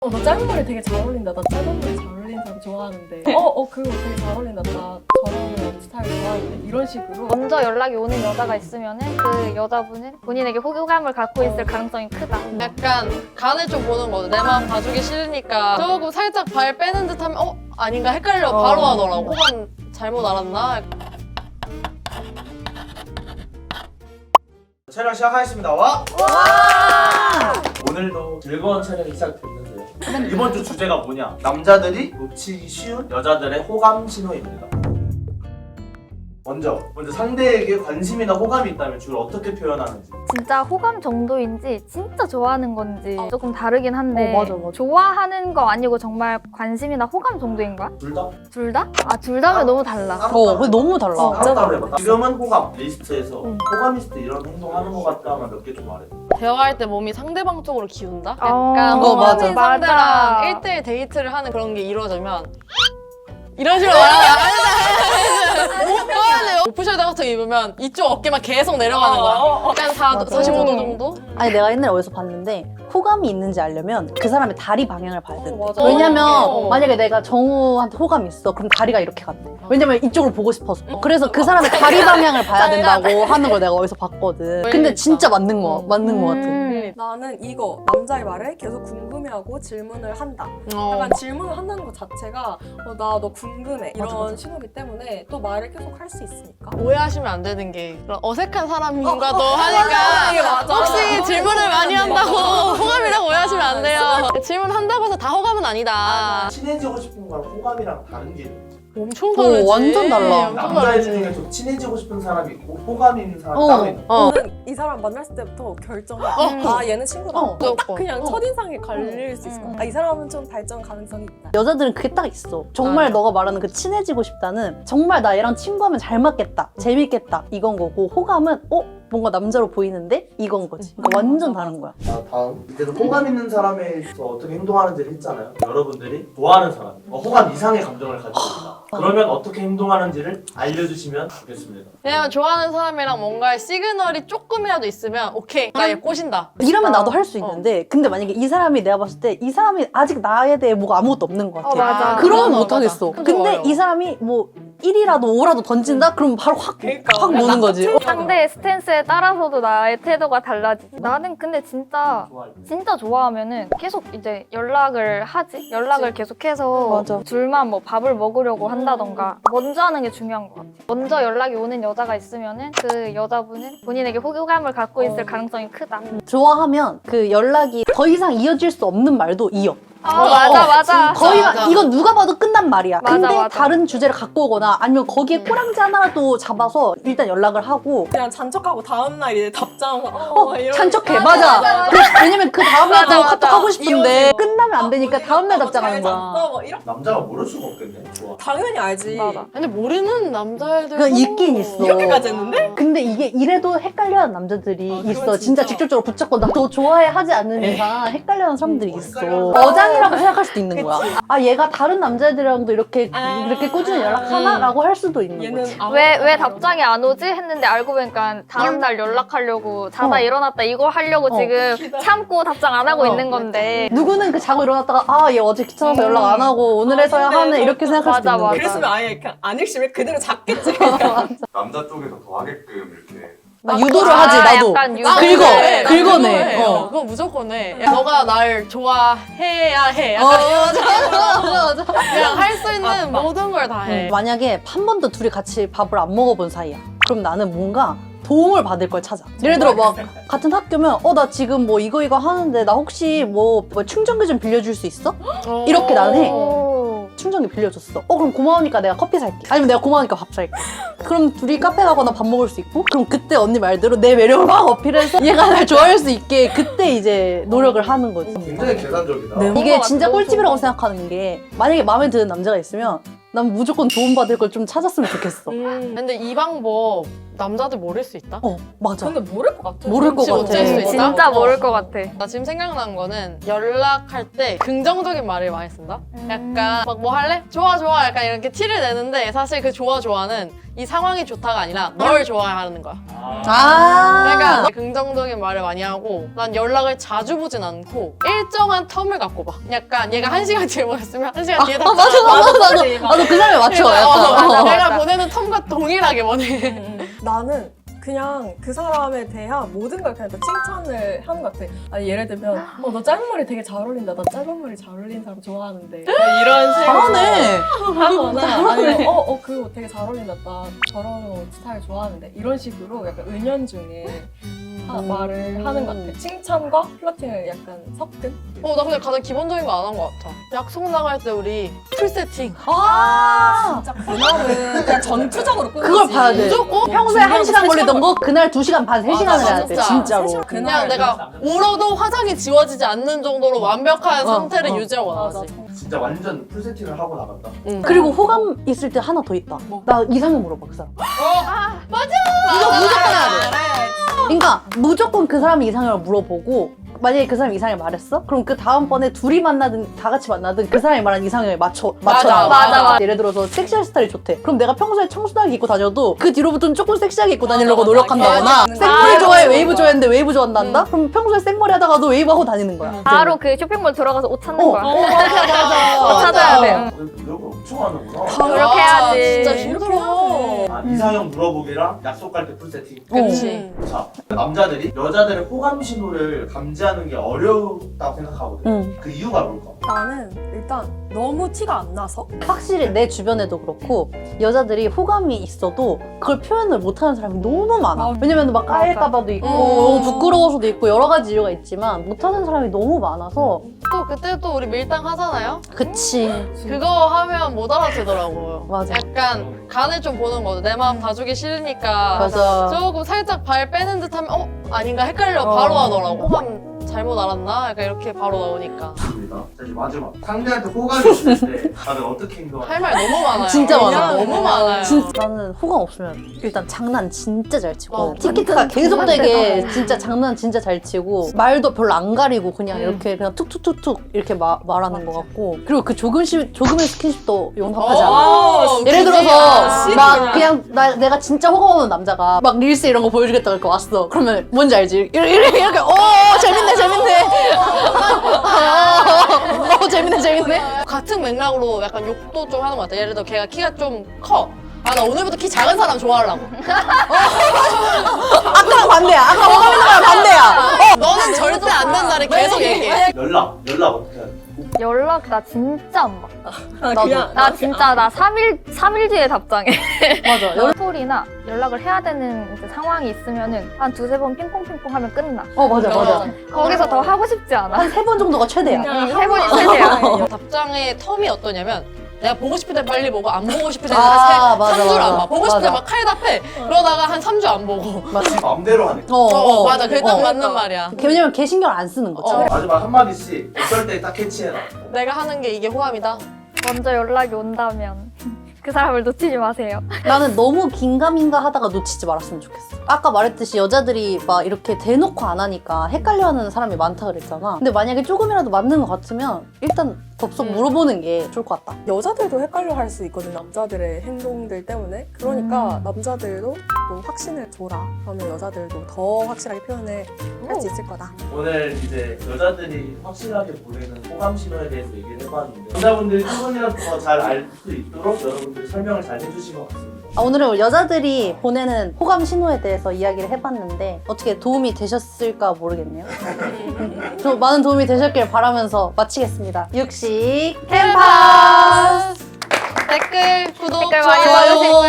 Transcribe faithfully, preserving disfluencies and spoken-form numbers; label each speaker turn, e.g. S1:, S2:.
S1: 어, 너 짧은 머리 되게 잘 어울린다. 나 짧은 머리 잘 어울리는 사람 좋아하는데. 어, 어, 그거 되게 잘 어울린다. 나 저런 스타일 좋아하는데. 이런 식으로.
S2: 먼저 연락이 오는 여자가 있으면은 그 여자분은 본인에게 호감을 갖고 있을 가능성이 크다.
S3: 약간 간을 좀 보는 거죠. 내 마음 봐주기 싫으니까 조금 살짝 발 빼는 듯 하면 어? 아닌가 헷갈려 바로 하더라고. 호감 잘못 알았나?
S4: 촬영 시작하겠습니다. 와! 오늘도 즐거운 촬영이 시작됐는데요. 이번 주 주제가 뭐냐? 남자들이 놓치기 쉬운 여자들의 호감 신호입니다. 먼저, 먼저 상대에게 관심이나 호감이 있다면 주로 어떻게 표현하는지.
S2: 진짜 호감 정도인지 진짜 좋아하는 건지 조금 다르긴 한데
S1: 어, 맞아, 맞아.
S2: 좋아하는 거 아니고 정말 관심이나 호감 정도인 거야?
S4: 둘 다?
S2: 둘 다? 아, 둘 다면 너무 달라.
S5: 어, 근데 너무 달라.
S4: 따로 해봐. 지금은 호감 리스트에서 호감리스트 이런 행동하는 것 같다 하면 몇 개 좀 말해.
S3: 대화할 때 몸이 상대방 쪽으로 기운다?
S2: 어,
S3: 약간
S5: 어, 맞아.
S3: 호감인
S2: 맞아.
S3: 상대랑 일 대일 데이트를 하는 그런 게 이루어지면 이런 식으로 말하면 못 봐야 오프숄더 같은 거 입으면 이쪽 어깨만 계속 내려가는 거야. 약간 사, 사십오 도 정도?
S5: 아니 내가 옛날에 어디서 봤는데 호감이 있는지 알려면 그 사람의 다리 방향을 봐야 된대.
S1: 맞아.
S5: 왜냐면
S3: 어.
S5: 만약에 내가 정우한테 호감이 있어 그럼 다리가 이렇게 간대. 왜냐면 이쪽을 보고 싶어서. 그래서 그 사람의 다리 방향을 봐야 된다고 하는 걸 내가 어디서 봤거든. 근데 진짜 맞는 거 맞는 거 같아.
S2: 음.
S1: 나는 이거 남자의 말을 계속 궁금해하고 질문을 한다.
S3: 어.
S1: 약간 질문을 한다는 것 자체가 어, 나 너 궁금해 이런
S5: 맞아, 맞아.
S1: 신호기 때문에 또 말을 계속 할 수 있으니까.
S3: 오해하시면 안 되는 게 그런 어색한 사람과도 하니까
S1: 이게 맞아.
S3: 혹시 질문을 많이 한다고 호감이라고 오해하시면 안 돼요. 질문한다고 해서 다 호감은 아니다.
S4: 친해지고 싶은 거랑 호감이랑 다른 게 있는지.
S3: 엄청
S5: 어,
S3: 다르지.
S5: 완전 달라.
S3: 엄청
S4: 남자애
S3: 다르지.
S4: 중에 좀 친해지고 싶은 사람이 있고 호감 있는 사람이
S5: 어.
S4: 따로 있는 거.
S3: 어.
S1: 저는 이 사람 만났을 때부터 결정해.
S2: 음.
S1: 아 얘는 친구다.
S5: 어,
S1: 딱
S3: 무조건.
S1: 그냥
S5: 어.
S1: 첫인상에 갈릴 수 있을 것
S2: 음.
S1: 같아. 아, 이 사람은 좀 발전 가능성이 있다.
S5: 여자들은 그게 딱 있어. 정말
S3: 맞아.
S5: 너가 말하는 그 친해지고 싶다는 정말 나 얘랑 친구하면 잘 맞겠다, 재밌겠다 이건 거고 호감은 어? 뭔가 남자로 보이는데 이건 거지. 그러니까 완전 다른 거야.
S4: 자, 다음 이때는 호감 있는 사람에서 어떻게 행동하는지를 했잖아요. 여러분들이 좋아하는 사람, 어, 호감 이상의 감정을 가지고 있다. 그러면 어떻게 행동하는지를 알려주시면 좋겠습니다.
S3: 왜냐면 좋아하는 사람이랑 뭔가 시그널이 조금이라도 있으면 오케이 나 얘 꼬신다.
S5: 이러면 나도 할 수 있는데 근데 만약에 이 사람이 내가 봤을 때 이 사람이 아직 나에 대해 뭐가 아무것도 없는 것 같아.
S2: 어, 맞아.
S5: 그러면
S3: 그건
S5: 못 하겠어.
S3: 맞아. 그건
S5: 근데
S3: 어려워.
S5: 이 사람이 뭐 일이라도 오라도 던진다? 그럼 바로 확,
S1: 그러니까.
S5: 확 노는 거지. 어.
S2: 상대의 스탠스에 따라서도 나의 태도가 달라지지. 나는 근데 진짜
S4: 좋아요.
S2: 진짜 좋아하면은 계속 이제 연락을 하지. 연락을 계속해서
S5: 맞아.
S2: 둘만 뭐 밥을 먹으려고 한다던가 먼저 하는 게 중요한 것 같아. 먼저 연락이 오는 여자가 있으면은 그 여자분은 본인에게 호감을 갖고 있을
S1: 어.
S2: 가능성이 크다.
S5: 좋아하면 그 연락이 더 이상 이어질 수 없는 말도 이어.
S2: 아, 맞아 맞아.
S5: 거의
S3: 맞아.
S5: 이건 누가 봐도 끝난 말이야.
S2: 맞아,
S5: 근데
S2: 맞아.
S5: 다른 주제를 갖고 오거나 아니면 거기에 꼬랑지 하나라도 잡아서 일단 연락을 하고
S1: 그냥 잔척하고 다음날 이제 답장 어,
S5: 어,
S1: 이런-
S5: 찬척해. 맞아. 그- 왜냐면 그 다음날
S3: 맞아,
S5: 또
S3: 맞아.
S5: 카톡 하고 싶은데
S1: 이어지고.
S5: 끝나면 안 되니까
S1: 어,
S5: 다음날
S1: 뭐
S5: 답장하는
S1: 잘
S5: 거야.
S1: 잤어? 뭐 이런
S4: 남자가 모를 수가 없겠네. 좋아.
S1: 당연히 알지.
S2: 맞아.
S3: 근데 모르는 남자애들
S5: 그건 있긴 있어.
S1: 이렇게까지 했는데?
S5: 근데 이게 이래도 헷갈려하는 남자들이
S1: 아, 그건
S5: 있어. 진짜
S1: 진짜.
S5: 직접적으로 붙잡고 나 너 좋아해 하지 않는 이상 헷갈려하는 사람들이
S4: 음,
S5: 있어.
S4: 헷갈려하는
S5: 어장이라고 생각할 수도 있는 거야. 아 얘가 다른 남자애들이랑도 이렇게
S1: 아.
S5: 이렇게 꾸준히 연락하나라고 할 수도 있는
S1: 얘는
S5: 거지.
S1: 아무-
S2: 왜, 왜 답장이 안 오지? 했는데 알고 보니까 다음날 연락하려고 자다
S5: 어.
S2: 일어났다 이거 하려고
S5: 어.
S2: 지금 참고 답장 안 하고
S5: 어.
S2: 있는 건데
S5: 누구는 그 자고 일어났다가 아 얘 어제 귀찮아서
S2: 음.
S5: 연락 안 하고 오늘 해서야
S1: 근데
S5: 하네 이렇게 생각할 수도
S2: 맞아,
S5: 있는
S2: 맞아.
S5: 거지.
S1: 그랬으면 아예 그냥 안 읽으면 그대로 잡겠지. 그냥.
S6: 남자 쪽에서 더 하게끔 이렇게
S5: 나 유도를
S2: 아,
S5: 하지 나도.
S2: 약간 유도.
S3: 나
S5: 긁어,
S3: 그거 해. 나
S5: 긁어내.
S3: 그거 해.
S5: 어.
S3: 어, 그거 무조건 해. 야, 너가 날 좋아해야 해.
S5: 어,
S3: 약간
S5: 맞아, 맞아, 맞아.
S3: 그냥 할 수 있는
S1: 아, 맞-
S3: 모든 걸 다 해.
S5: 만약에 한 번도 둘이 같이 밥을 안 먹어본 사이야. 그럼 나는 뭔가 도움을 받을 걸 찾아. 예를 들어 막 같은 학교면 어 나 지금 뭐 이거 이거 하는데 나 혹시 뭐, 뭐 충전기 좀 빌려줄 수 있어?
S3: 어.
S5: 이렇게 나는 해.
S2: 오.
S5: 충전기 빌려줬어. 어 그럼 고마우니까 내가 커피 살게. 아니면 내가 고마우니까 밥 살게. 그럼 둘이 카페 가거나 밥 먹을 수 있고 그럼 그때 언니 말대로 내 매력을 막 어필해서 얘가 날 좋아할 수 있게 그때 이제 노력을 하는 거지.
S4: 굉장히 계산적이다.
S5: 네, 이게
S2: 것
S5: 진짜
S2: 같아.
S5: 꿀팁이라고 생각하는 게 만약에 마음에 드는 남자가 있으면 난 무조건 도움받을 걸 좀 찾았으면 좋겠어.
S3: 음, 근데 이 방법 남자들 모를 수 있다?
S5: 어 맞아.
S1: 근데 모를 것 같아.
S5: 모를 것
S3: 눈치
S5: 같아.
S3: 못 챌 수 있다?
S2: 진짜
S3: 어.
S2: 모를 것 같아.
S3: 나 지금 생각난 거는 연락할 때 긍정적인 말을 많이 쓴다? 약간 막 뭐 할래? 좋아 좋아 약간 이렇게 티를 내는데 사실 그 좋아 좋아는 이 상황이 좋다가 아니라 널 좋아하는 거야.
S5: 아
S3: 그러니까 긍정적인 말을 많이 하고 난 연락을 자주 보진 않고 일정한 텀을 갖고 봐. 약간 얘가 한 시간 뒤에 보냈으면 한 시간 뒤에
S5: 아, 맞아 맞아 맞아 맞아. 나도 그 사람에 맞춰.
S3: 어,
S5: 약간.
S3: 맞아.
S5: 어.
S3: 내가 보내는 텀과 동일하게 보내.
S1: 나는 그냥 그 사람에 대한 모든 걸 그냥 다 칭찬을 하는 것 같아. 아니 예를 들면 어 너 짧은 머리 되게 잘 어울린다. 나 짧은 머리 잘 어울리는 사람 좋아하는데 이런 식으로
S5: 잘하네.
S1: 하거나 아니면 어어 그 옷 되게 잘 어울린다. 나 저런 옷 스타일 좋아하는데 이런 식으로 약간 은연중에 하- 말을 하는 것 같아. 칭찬과 플러팅을 약간 섞은.
S3: 어, 나 근데 가장 기본적인 거 안 한 것 같아. 약속 나갈 때 우리 풀 세팅.
S5: 아
S1: 진짜 그날은 그냥 전투적으로 끊지.
S5: 그걸 봐야 돼.
S3: 무조건
S5: 평소에 한 시간 걸리던 거 그날 두 시간 반, 세 시간을
S3: 맞아,
S5: 해야 돼.
S3: 진짜.
S5: 진짜로.
S1: 세 시간
S3: 그냥
S1: 그날
S3: 내가 울어도 화장이 지워지지 않는 정도로 완벽한
S5: 어,
S3: 상태를
S5: 어.
S3: 유지하고
S1: 맞아.
S3: 나가지.
S4: 진짜 완전 풀 세팅을 하고 나간다.
S3: 응.
S5: 그리고 호감 있을 때 하나 더 있다. 나 이상형 물어봐 그 사람.
S3: 이거 무조건 해야 돼.
S5: 그러니까 무조건 그 사람이 이상형을 물어보고 만약에 그 사람이 이상형을 말했어? 그럼 그 다음번에 둘이 만나든 다 같이 만나든 그 사람이 말한 이상형에 맞춰 맞춰
S3: 맞아,
S5: 나가.
S2: 맞아, 맞아.
S5: 예를 들어서 섹시한 스타일이 좋대. 그럼 내가 평소에 청순하게 입고 다녀도 그 뒤로부터는 조금 섹시하게 입고 다니려고
S3: 맞아,
S5: 노력한다거나
S1: 맞아.
S5: 생머리
S2: 아,
S5: 좋아해
S2: 맞아.
S5: 웨이브 좋아했는데 웨이브 좋아한다? 그럼 평소에 생머리 하다가도 웨이브 하고 다니는 거야.
S2: 바로 그 쇼핑몰 들어가서 옷 찾는
S5: 어.
S2: 거야.
S5: 어, 맞아 맞아.
S2: 옷 찾아야 돼. 응.
S4: 노력을 엄청 하는구나.
S2: 그렇게 해야지.
S3: 진짜 힘들어.
S4: 아, 이상형 물어보기랑 약속 갈 때 풀 세팅.
S3: 그치.
S4: 자, 남자들이 여자들의 호감 신호를 감지하는 게 어렵다고 생각하거든.
S5: 응.
S4: 그 이유가 뭘까?
S1: 나는 일단 너무 티가 안 나서
S5: 확실히 내 주변에도 그렇고 여자들이 호감이 있어도 그걸 표현을 못하는 사람이 너무 많아.
S1: 맞아.
S5: 왜냐면 막 까일까봐도 있고
S3: 음.
S5: 너무 부끄러워서도 있고 여러 가지 이유가 있지만 못하는 사람이 너무 많아서
S3: 또 그때 또 우리 밀당 하잖아요?
S5: 그치.
S3: 그거 하면 못 알아채더라고요.
S5: 맞아.
S3: 약간 간을 좀 보는 거죠. 내 마음 봐주기 싫으니까
S5: 맞아.
S3: 조금 살짝 발 빼는 듯 하면 어? 아닌가 헷갈려
S5: 어.
S3: 바로 하더라고. 호감 잘못 알았나? 약간 이렇게 바로 나오니까.
S4: 좋습니다. 자, 이제 마지막. 상대한테 호감이 있을 때 다들 어떻게 행동하냐?
S3: 할 말 너무 많아요.
S5: 진짜 많아.
S3: 너무 많아요.
S5: 진짜 나는 호감 없으면 일단 장난 진짜 잘 치고
S3: 어,
S5: 티키타카 계속되게 진짜 장난 진짜 잘 치고 말도 별로 안 가리고 그냥
S3: 음.
S5: 이렇게 그냥 툭툭툭툭 이렇게 마, 말하는 것 같고 그리고 그 조금씩 조금의 스킨십도 용납하지 않아.
S3: 어,
S5: 예를
S3: 그지?
S5: 들어서
S3: 아,
S5: 막
S3: 그냥.
S5: 그냥 나, 내가 진짜 호감 없는 남자가 막 릴스 이런 거 보여주겠다 이렇게 왔어. 그러면 뭔지 알지? 이렇게 이렇게, 이렇게 오 재밌네 재밌네. 어 재밌네 재밌네.
S3: 같은 맥락으로 약간 욕도 좀 하는 것 같아. 예를 들어 걔가 키가 좀 커. 아, 나 오늘부터 키 작은 사람 좋아하려고.
S5: 아까랑 반대야. 아까 호감 있는 거랑 반대야.
S3: 너는 절대 안 된다를 계속 얘기해.
S4: 연락, 연락 어떻게 해야 돼?
S2: 연락 나 진짜 안 받아.
S1: 아,
S5: 나도.
S1: 그냥
S2: 나 진짜 나 삼 일 삼 일 뒤에 답장해.
S5: 맞아.
S2: 연락이나 연락을 해야 되는 이제 상황이 있으면은 한 두세 번 핑퐁핑퐁 하면 끝나.
S5: 어 맞아 맞아.
S2: 거기서 더 하고 싶지 않아.
S5: 한 세 번 정도가 최대야.
S1: 그냥
S2: 세 번이 최대야.
S3: 답장의 텀이 어떠냐면 내가 보고 싶을 때 빨리 보고 안 보고 싶을 때는
S5: 아,
S3: 한
S5: 맞아,
S3: 삼 주를 안
S5: 맞아.
S3: 봐. 보고 싶을 때
S5: 맞아.
S3: 막 칼답해. 그러다가 한 삼 주 안 보고.
S4: 지 마음대로 하네.
S5: 어,
S3: 어, 맞아. 그게 딱
S5: 어.
S3: 맞는 말이야.
S5: 왜냐면 걔 신경 안 쓰는 거지.
S3: 어.
S4: 마지막 한마디씩 어떨 때 딱 캐치해라.
S3: 내가 하는 게 이게 호감이다.
S2: 먼저 연락이 온다면 그 사람을 놓치지 마세요.
S5: 나는 너무 긴가민가 하다가 놓치지 말았으면 좋겠어. 아까 말했듯이 여자들이 막 이렇게 대놓고 안 하니까 헷갈려하는 사람이 많다 그랬잖아. 근데 만약에 조금이라도 맞는 것 같으면 일단 덥석
S3: 음.
S5: 물어보는 게 좋을 것 같다.
S1: 여자들도 헷갈려 할 수 있거든, 남자들의 행동들 때문에. 그러니까
S5: 음.
S1: 남자들도 좀 확신을 줘라. 그러면 여자들도 더 확실하게 표현을 할 수 있을 거다.
S4: 오늘 이제 여자들이 확실하게 보내는 호감 신호에 대해서 얘기를 해봤는데 여자분들이 조금이라도 더 잘 알 수 있도록 여러분들이 설명을 잘 해주신 것 같습니다.
S5: 아, 오늘은 여자들이 보내는 호감 신호에 대해서 이야기를 해봤는데 어떻게 도움이 되셨을까 모르겠네요. 좀 많은 도움이 되셨길 바라면서 마치겠습니다. 육식 캠퍼스!
S3: 댓글, 구독,
S2: 댓글 많이
S3: 좋아요.
S2: 봐주시고